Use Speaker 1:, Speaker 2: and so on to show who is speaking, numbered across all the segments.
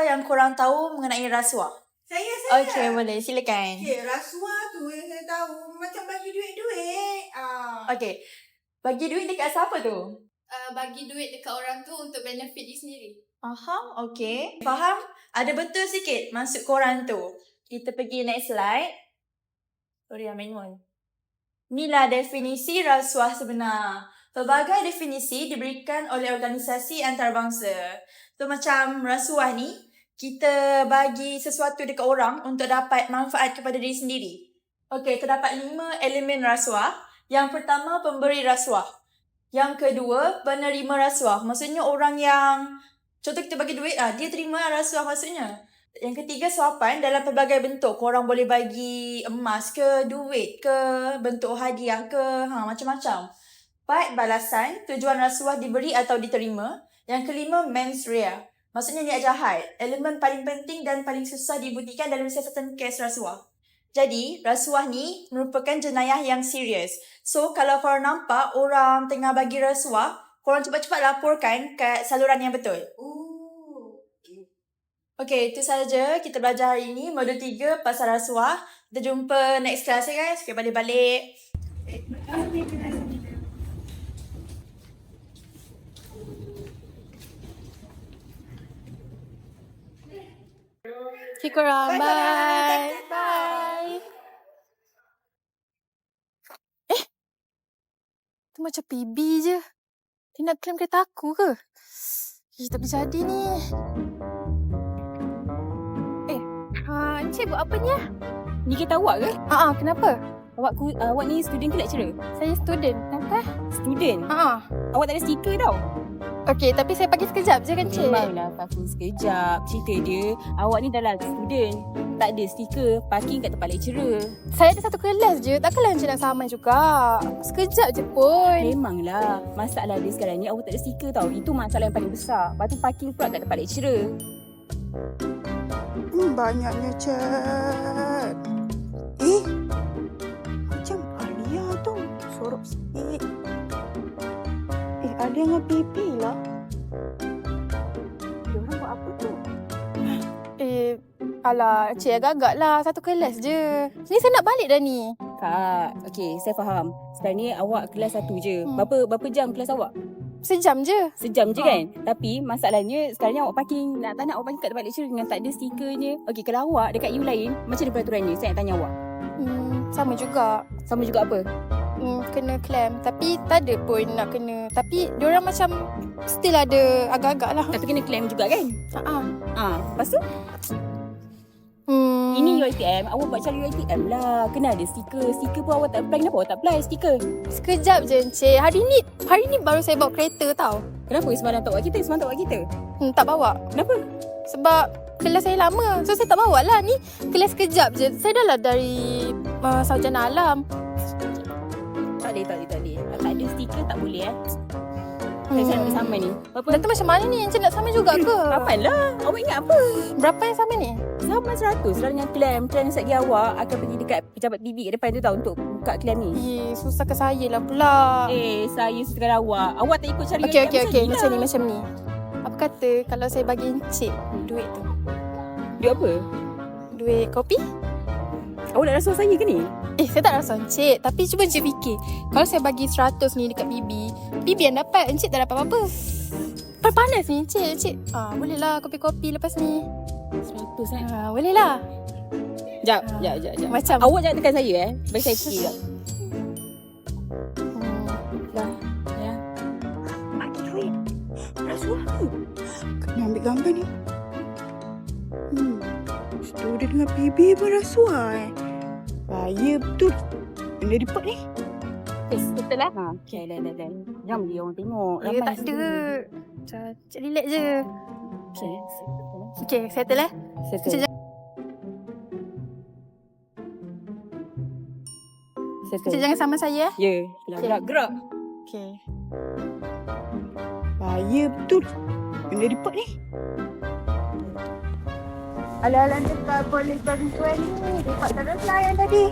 Speaker 1: yang korang tahu mengenai rasuah?
Speaker 2: Saya.
Speaker 1: Okey, boleh. Silakan.
Speaker 2: Okey, rasuah tu yang saya tahu macam bagi duit-duit.
Speaker 1: Okey. Bagi duit dekat siapa tu?
Speaker 3: Bagi duit dekat orang tu untuk benefit dia sendiri.
Speaker 1: Okey. Faham? Ada betul sikit maksud korang tu. Kita pergi next slide. Sorry, Aminul. Inilah definisi rasuah sebenar. Pelbagai definisi diberikan oleh organisasi antarabangsa. So, macam rasuah ni, kita bagi sesuatu dekat orang untuk dapat manfaat kepada diri sendiri. Okey, terdapat 5 elemen rasuah. Yang pertama, pemberi rasuah. Yang kedua, penerima rasuah. Maksudnya orang yang, contoh kita bagi duit, dia terima rasuah maksudnya. Yang ketiga, suapan dalam pelbagai bentuk. Korang boleh bagi emas ke, duit ke, bentuk hadiah ke, macam-macam. 4, balasan. Tujuan rasuah diberi atau diterima. Yang kelima, mens rea. Maksudnya niat jahat. Elemen paling penting dan paling susah dibuktikan dalam siasatan kes rasuah. Jadi, rasuah ni merupakan jenayah yang serius. So, kalau korang nampak orang tengah bagi rasuah, korang cepat-cepat laporkan kat saluran yang betul. Okey, itu sahaja kita belajar hari ini. Modul 3 pasal rasuah. Kita jumpa next class ya guys. Okay, balik-balik.
Speaker 3: Okay korang, bye. Bye. Tu macam PB je. Dia nak claim kereta aku ke? Tak boleh jadi ni. Encik buat apa ni?
Speaker 4: Ni kereta awak ke?
Speaker 3: Kenapa?
Speaker 4: Awak ni student ke lecturer?
Speaker 3: Saya student. Kenapa?
Speaker 4: Student? Awak tak ada stiker tau.
Speaker 3: Okey, tapi saya pagi sekejap je kan, Cik?
Speaker 4: Memanglah aku sekejap. Cerita dia, awak ni dah lah student. Tak ada stiker, parking kat tempat lecturer.
Speaker 3: Saya ada satu kelas je. Takkanlah Encik nak sama juga. Sekejap je pun.
Speaker 4: Memanglah. Masalah dia sekarang ni, awak tak ada stiker tau. Itu masalah yang paling besar. Lepas tu parking pula kat tempat lecturer.
Speaker 5: Banyaknya chat. Macam Alia tu. Sorok sikit. Alia dengan Bibi lah. Diorang buat apa tu?
Speaker 3: Alah, Cik agak-agak lah. Satu kelas je. Ni saya nak balik dah ni.
Speaker 4: Kak, okey, saya faham. Sekarang ni awak kelas 1 je. Berapa jam kelas awak?
Speaker 3: Sejam je.
Speaker 4: Sejam je kan? Tapi masalahnya sekarang ni awak parking, tak nak awak parking kat tempat lecturer dengan tak ada stikernya. Okey, kalau awak dekat U lain, macam mana peraturannya? Saya nak tanya awak.
Speaker 3: Sama juga.
Speaker 4: Sama juga apa?
Speaker 3: Kena claim. Tapi tak ada pun nak kena. Tapi diorang macam still ada agak-agak lah.
Speaker 4: Tapi kena claim juga kan? Lepas tu? Ini UiTM, awak buat cara UiTM lah. Kena ada stiker. Stiker pun awak tak apply. Kenapa awak tak apply stiker?
Speaker 3: Sekejap je Encik. Hari ni baru saya bawa kereta tau.
Speaker 4: Kenapa semalam tak bawa kita? Semalam tak bawa kita?
Speaker 3: Tak bawa.
Speaker 4: Kenapa?
Speaker 3: Sebab kelas saya lama. So saya tak bawa lah. Ni kelas sekejap je. Saya dah lah dari sarjana alam.
Speaker 4: Tak boleh. Tak ada stiker tak boleh Saya nak sama ni.
Speaker 3: Berapa? Dah tu macam mana ni? Encik nak sama juga ke?
Speaker 4: Apalah. Awak ingat apa?
Speaker 3: Berapa yang sama ni?
Speaker 4: Sama 100. Selalu dengan klaim sekali awak akan pergi dekat pejabat PB kat depan tu tau untuk buka klaim ni.
Speaker 3: Susahkan saya lah pula.
Speaker 4: Saya susahkan awak. Awak tak ikut cara
Speaker 3: Okey. Macam ni. Apa kata kalau saya bagi Encik duit tu?
Speaker 4: Duit apa?
Speaker 3: Duit kopi?
Speaker 4: Awak nak rasuah saya ke ni?
Speaker 3: Saya tak rasuah Encik. Tapi cuba Encik fikir. Kalau saya bagi 100 ni dekat PB yang dapat, Encik tak dapat apa-apa. Panas ni Encik. Boleh lah kopi-kopi lepas ni.
Speaker 4: 100
Speaker 3: boleh lah.
Speaker 4: Jap.
Speaker 3: Macam
Speaker 4: awak jangan tekan saya bagi saya fikir jap.
Speaker 5: Ya. Bagi duit. Rasuah tu. Kena ambil gambar ni. Student dengan PB pun rasuah Bahaya betul. Benda report ni.
Speaker 3: betul lah.
Speaker 4: Okay, dah. Jom dia orang tengok.
Speaker 3: Ya, tak ada. Cik relax je. Okay, settle lah.
Speaker 4: Settle.
Speaker 3: Cik jangan sama saya.
Speaker 4: Ya, gerak.
Speaker 3: Okay.
Speaker 5: Bahaya betul. Benda report ni. Alah-alah dekat boleh bantuan ni. Report terus lah yang tadi.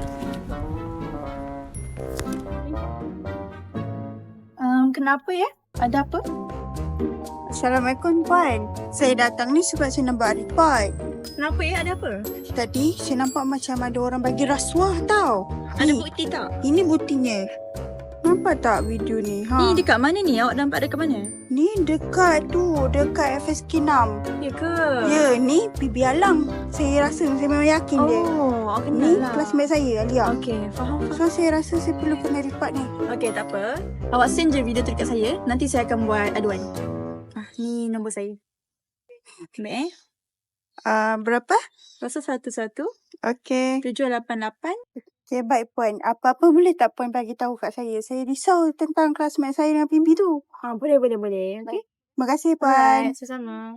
Speaker 1: Kenapa ya? Ada apa?
Speaker 5: Assalamualaikum Puan. Saya datang ni sebab saya nampak report.
Speaker 2: Kenapa ada apa?
Speaker 5: Tadi saya nampak macam ada orang bagi rasuah tau.
Speaker 2: Ada
Speaker 5: Ni,
Speaker 2: bukti tak?
Speaker 5: ini buktinya. Nampak tak video ni?
Speaker 2: Ni dekat mana ni? Awak nampak dekat mana?
Speaker 5: Ni dekat tu, dekat FSK 6.
Speaker 2: Ya ke?
Speaker 5: Ya, ni Bibi Alang. Saya rasa, saya memang yakin dia.
Speaker 2: Oh, awak kenal
Speaker 5: Ni
Speaker 2: lah.
Speaker 5: classmate saya, Alia.
Speaker 2: Okey, faham.
Speaker 5: So, saya rasa saya perlu kena report ni.
Speaker 2: Okey, tak apa. Awak send je video tu dekat saya. Nanti saya akan buat aduan. Ni nombor saya. Ambil
Speaker 5: Berapa?
Speaker 2: Rasa 11
Speaker 5: Okey.
Speaker 2: 788.
Speaker 5: Okay, baik Puan. Apa-apa boleh tak Puan bagi tahu kat saya? Saya risau tentang classmate saya dengan Bibi tu.
Speaker 2: Boleh. Okey.
Speaker 5: Terima kasih Puan.
Speaker 2: Sama-sama.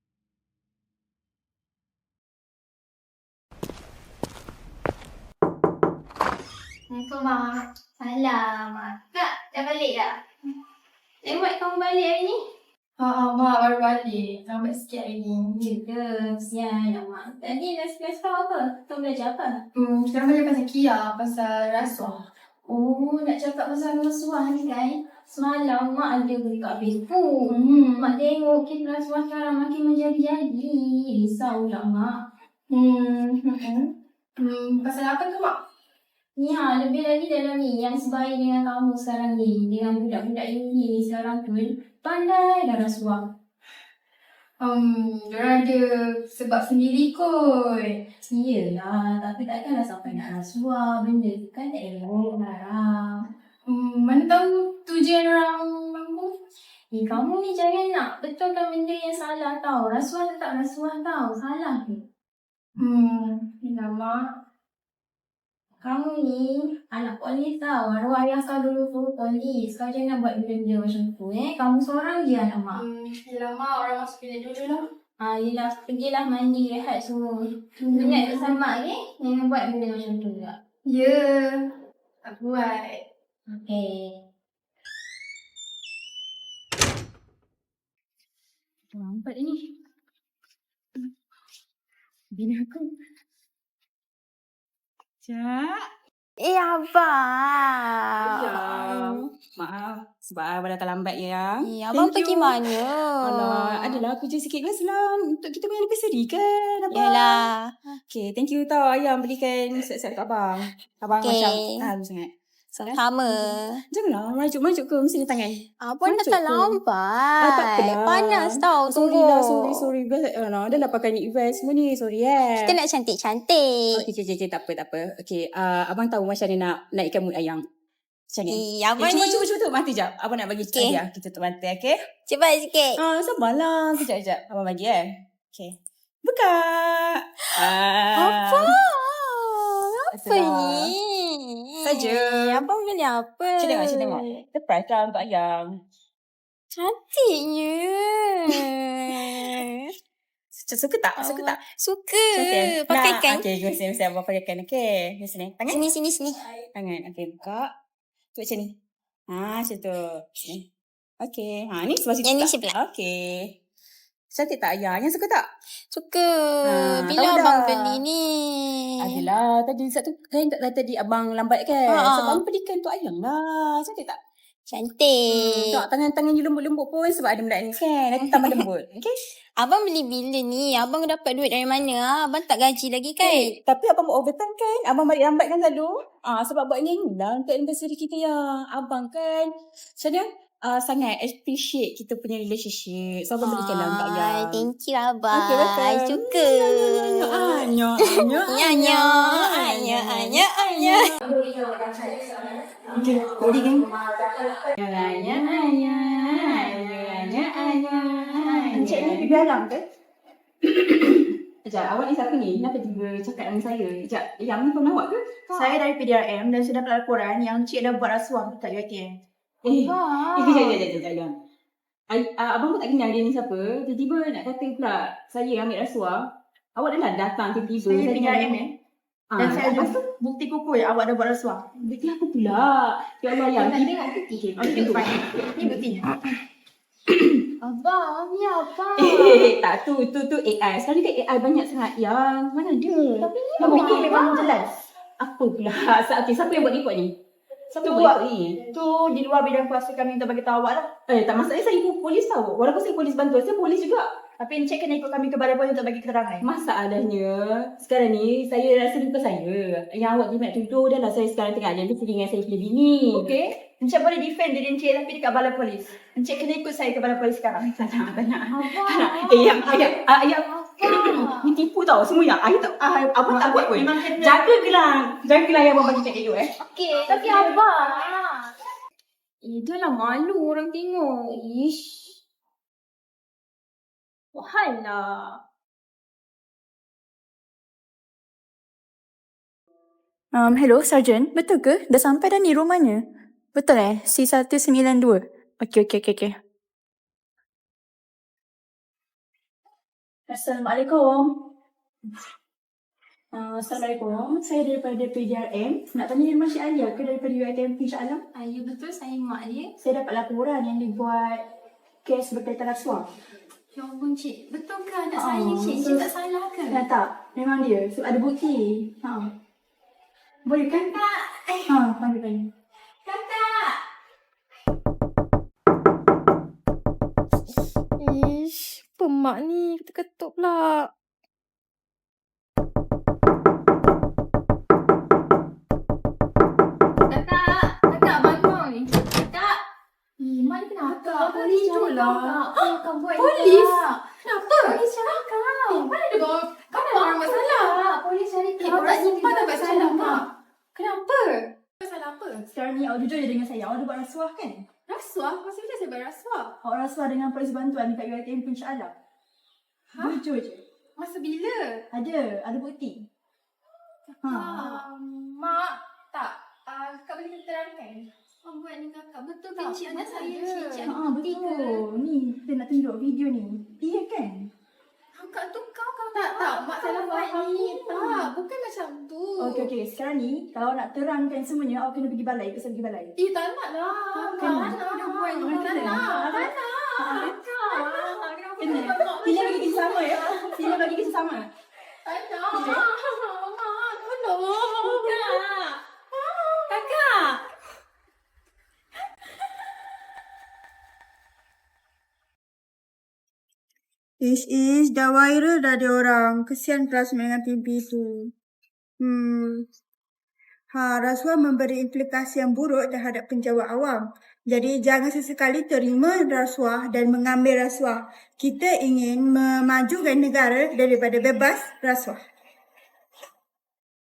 Speaker 6: Assalamualaikum, Mak. Salam. Kak, dah balik dah? Lambat kamu balik hari ni?
Speaker 1: Mak baru balik. Lambat sikit hari ni.
Speaker 6: Ya ke? Sian, Mak. Tadi dah kelas kau apa? Kau belajar apa?
Speaker 1: Sekarang belajar pasal Kia, pasal rasuah.
Speaker 6: Oh, nak cakap pasal rasuah ni kan? Semalam Mak ada dekat Facebook. Mak tengok kes rasuah sekarang makin menjadi-jadi. Risau lah, Mak.
Speaker 1: Pasal apa tu, Mak?
Speaker 6: Ni lebih lagi dalam ni yang sebaya dengan kamu sekarang ni. Dengan budak-budak uni ni sekarang tu. Pandai dah rasuah.
Speaker 1: Diorang ada sebab sendiri kot.
Speaker 6: Iyalah, tapi takkanlah sampai nak rasuah. Benda tu kan tak elok, haram.
Speaker 1: Mana tahu tujuan orang mampu.
Speaker 6: Kamu ni jangan nak betulkan benda yang salah tau. Rasuah tetap rasuah tau. Salah ke?
Speaker 1: Yelah, Mak.
Speaker 6: Kamu ni anak polis tau. Arwah ayah kau dulu polis. Kau jangan buat benda-benda macam tu Kamu seorang je anak Mak.
Speaker 1: Yelah, Mak. Orang masuk bilik dulu lah.
Speaker 6: Yelah, pergilah mandi, rehat semua. Ingat pesan Mak jangan buat benda macam tu juga.
Speaker 1: Ya. Tak buat.
Speaker 6: Okay.
Speaker 4: Lambat ni. Bina aku. Cak.
Speaker 3: Abang.
Speaker 4: Maaf. Sebab abang datang lambat ya.
Speaker 3: Abang
Speaker 4: Thank
Speaker 3: pergi
Speaker 4: you.
Speaker 3: mana?
Speaker 4: Alah, adalah kerja sikit lah selam. Untuk kita punya anniversary kan, abang.
Speaker 3: Yalah.
Speaker 4: Okay, thank you tau ayam belikan set-set kat abang. Abang
Speaker 3: Okay.
Speaker 4: macam harum sangat.
Speaker 3: Sama.
Speaker 4: Janganlah, merajuk-merajuk ke mesti ni tangan.
Speaker 3: Abang
Speaker 4: Merajuk
Speaker 3: datang
Speaker 4: ke?
Speaker 3: lambat.
Speaker 4: Tak apalah.
Speaker 3: Panas tau
Speaker 4: Sorry
Speaker 3: tunggu.
Speaker 4: lah, sorry. Dah lah pakai ni event semua ni, sorry
Speaker 3: Kita nak cantik-cantik.
Speaker 4: Okay, tak apa. Okay, abang tahu macam mana nak naikkan mood ayam. Macam ni.
Speaker 3: Abang ni.
Speaker 4: Cuba tutup mata jap. Abang nak bagi
Speaker 3: Okay.
Speaker 4: hadiah. Kita tutup mata, okay?
Speaker 3: Cepat sikit.
Speaker 4: Sabarlah. Sekejap. Abang bagi Okay. Buka.
Speaker 3: Apa? Apa
Speaker 4: Itulah.
Speaker 3: ni?
Speaker 4: Saja.
Speaker 3: Abang beli apa?
Speaker 4: Macam tengok. Surprise lah untuk ayam.
Speaker 3: Cantiknya.
Speaker 4: Suka tak?
Speaker 3: Suka.
Speaker 4: Okay.
Speaker 3: Pakaikan.
Speaker 4: Okay, mesti abang pakaikan. Okay. Sini. Tangan.
Speaker 3: Sini.
Speaker 4: Tangan. Okay, buka. Buat macam ni. Macam tu. Sini. Okay. Ni sebelah situ
Speaker 3: Yang ni
Speaker 4: tak?
Speaker 3: sebelah.
Speaker 4: Okay. Cantik tak ayah? Yang suka tak?
Speaker 3: Suka. Bila
Speaker 4: tahu
Speaker 3: abang
Speaker 4: dah.
Speaker 3: beli ni?
Speaker 4: Adalah. Tadi satu kan tadi abang lambat kan? Sebab abang belikan untuk ayam lah. Cantik tak?
Speaker 3: Cantik.
Speaker 4: Tengok tangan-tangan you lembut-lembut pun sebab ada benda ni kan. Nanti tambah lembut. Okay?
Speaker 3: Abang beli bila ni? Abang dapat duit dari mana? Abang tak gaji lagi kan?
Speaker 4: Tapi abang buat overtime kan? Abang balik lambat kan selalu? Sebab buat ni lah untuk anniversary kita ya. Abang kan macam mana? Sangat appreciate kita punya relationship. So abang belikan lah untuk ayah.
Speaker 3: Thank you abang.
Speaker 4: Okay, welcome.
Speaker 3: Suka.
Speaker 4: Anya. Okay, boleh kan? Encik ni Bibi Alang ke? Sekejap, awak ni siapa ni? Kenapa tiba cakap dengan saya? Sekejap, yang ni pun awak ke?
Speaker 2: Saya dari PDRM dan saya dapat laporan yang cik dah buat rasuah dekat UiTM.
Speaker 4: Kejap. Abang pun tak kenal dia ni siapa. Tiba-tiba nak kata pula saya ambil rasuah. Awak dah lah datang tiba-tiba.
Speaker 2: Saya PDRM dan saya ada
Speaker 4: lepas tu,
Speaker 2: bukti kukuh yang awak dah buat rasuah.
Speaker 4: bukti apa pula? Ya Allah, yang
Speaker 6: Nak tengok bukti.
Speaker 2: Okey, fine. Ni buktinya.
Speaker 6: Abang, ni apa?
Speaker 4: Tak tu AI. Sekarang ni kan AI banyak sangat yang mana dia?
Speaker 6: Tapi ni
Speaker 2: Bukti memang jelas.
Speaker 4: Apa pula? Okay, siapa yang buat report ni? Siapa
Speaker 1: Tu,
Speaker 4: boleh ikut ni?
Speaker 1: tu di luar bidang kuasa kami untuk bagi tahu awak lah.
Speaker 4: Tak masalah, saya ikut polis tahu. Walaupun saya polis bantuan, saya polis juga.
Speaker 1: Tapi Encik kena ikut kami ke balai polis untuk bagi keterangan.
Speaker 4: Masalahnya, sekarang ni saya rasa lupa saya. Yang awak jimat tuduh dah lah saya sekarang tengah ada dengan saya punya bini.
Speaker 1: Okey. Encik boleh defend diri Encik tapi dekat balai polis. Encik kena ikut saya ke balai polis sekarang.
Speaker 4: Tak nak.
Speaker 6: Abang.
Speaker 4: Ayah. Ni tipu tau semua yang. Ayah tak, abang tak buat pun.
Speaker 1: Memang kena.
Speaker 4: Jaga gelang yang abang bagi kat elok
Speaker 6: Okey, tapi abang.
Speaker 4: dah lah malu orang tengok. Ish. Wahal lah.
Speaker 2: Hello, Sarjan. Betul ke? Dah sampai dah ni rumahnya? Betul C192? Okey. Assalamualaikum. Assalamualaikum. Saya daripada PDRM. Nak tanya di rumah Cik Alia ke daripada UiTM insya-Allah?
Speaker 6: Ya betul, saya mak dia.
Speaker 2: Saya dapat laporan yang dibuat kes berkaitan rasuah.
Speaker 6: Ya ampun cik, betul ke anak saya cik? Cik tak salah ke?
Speaker 2: Tak. Memang dia. Sebab ada bukti. Boleh kan?
Speaker 6: Kakak!
Speaker 2: Panggil.
Speaker 6: Kakak!
Speaker 3: Ish, pemak ni ketuk-ketuk pula.
Speaker 6: Kakak bangun. Kakak! Mak ni kenapa? Polis
Speaker 3: lah.
Speaker 6: Kakak buat
Speaker 3: Polis?
Speaker 6: Kakak.
Speaker 3: Kenapa?
Speaker 6: Polis cari kau.
Speaker 3: Mana ada orang buat salah?
Speaker 6: Polis cari kau.
Speaker 3: Orang sumpah tak buat salah,
Speaker 6: Mak.
Speaker 3: Mak. Kenapa? Salah apa?
Speaker 2: Sekarang ni awak jujur je dengan saya. Awak ada buat rasuah kan?
Speaker 3: Rasuah? Masa bila saya berrasuah?
Speaker 2: Awak rasuah dengan polis bantuan dekat UiTM insya-Allah. Jujur je.
Speaker 3: Masa bila?
Speaker 2: Ada bukti.
Speaker 3: Mak, tak. Kakak boleh terangkan?
Speaker 6: Buat ni kakak. Betul ke
Speaker 3: Tak,
Speaker 6: cik anak
Speaker 3: mana
Speaker 6: saya?
Speaker 3: ada.
Speaker 6: Cik ada bukti ke?
Speaker 2: Betul. Ni kita nak tunjuk video ni. Iya kan?
Speaker 6: Kakak tu kau
Speaker 3: Tak. Mak salah
Speaker 6: buat
Speaker 3: faham.
Speaker 6: ni.
Speaker 3: Tak, bukan macam tu.
Speaker 2: Okey. Sekarang ni kalau nak terangkan semuanya awak kena pergi balai. Pasal pergi balai.
Speaker 3: Tak nak lah.
Speaker 2: Kena.
Speaker 3: Dah buat ni.
Speaker 2: Kena.
Speaker 3: Tak nak.
Speaker 2: Kena. Sila bagi kita sama ya. Sila bagi kita sama.
Speaker 3: Tak nak. Mak, tolong. Kakak.
Speaker 5: Ish, dah viral dah dia orang. Kesian classmate dengan pipi tu. Rasuah memberi implikasi yang buruk terhadap penjawat awam. Jadi jangan sesekali terima rasuah dan mengambil rasuah. Kita ingin memajukan negara daripada bebas rasuah.